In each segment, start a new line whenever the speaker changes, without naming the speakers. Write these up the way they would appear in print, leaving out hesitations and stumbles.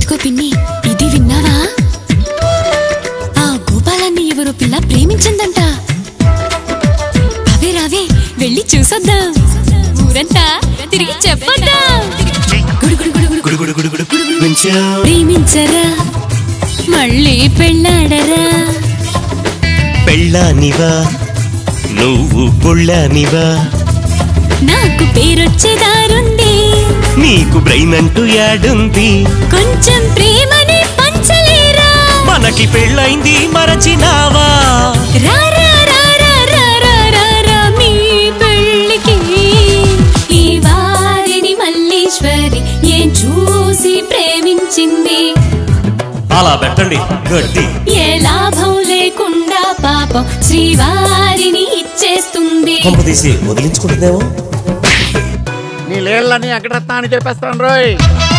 ఇదిగో పిన్ని, ఇది విన్నావా? ఆ గోపాలాన్ని ఎవరో పిల్ల ప్రేమించిందంట. అవే రావే వెళ్ళి చూసొద్దాం, ఊరంతా తిరిగి చెప్పొద్దాం. ప్రేమించరా మళ్ళీ పెళ్ళాడరా.
పెళ్ళానివా నువ్వు పొళ్ళానివా?
నాకు పేరొచ్చేదారుంది, నీకు
బ్రెయిన్ అంటూ యాడుంది?
కొంచెం ప్రేమని పంచలేరా?
మనకి పెళ్ళైంది మరచినావా?
రారా రారా రారా రారా మీ పెళ్ళికి. ఈ వారిని మల్లీశ్వరి ఏం చూసి ప్రేమించింది?
అలా పెట్టండి గడ్డి.
ఏ లాభం లేకుండా పాపం శ్రీవారిని ఇచ్చేస్తుంది.
కొంప తీసి వదిలించుకుంటుందేమో.
నీ లేళ్ళని వెంకటరత్న అని చెప్పేస్తాను రోయ్.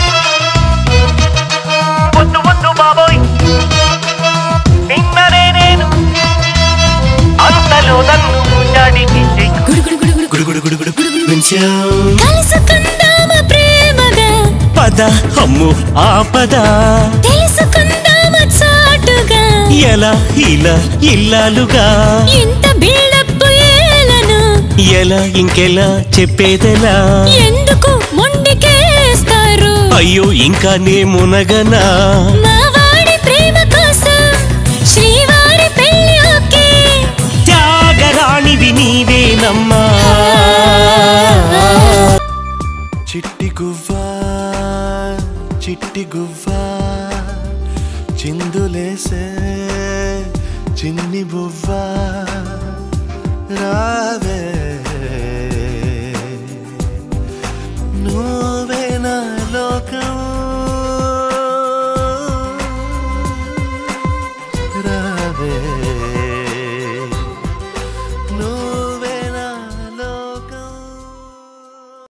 కలుసుకుందామా ప్రేమగా,
పద అమ్ము ఆపద,
తెలుసుకుందామా చాటుగా,
ఎలా ఇలా ఇల్లాలుగా.
ఇంత బిల్డప్ ఏలను
ఎలా ఇంకెలా చెప్పేదెలా?
ఎందుకు మొండికేస్తారు?
అయ్యో ఇంకా నే మునగనా?
మా వాడి ప్రేమ కోసం శ్రీవారి పెళ్లి ఓకే.
త్యాగరాణివి నీవేనమ్మా.
చిట్టి గువ్వా చిట్టి గువ్వా, చిందులేసే చిన్ని బువ్వా, రావే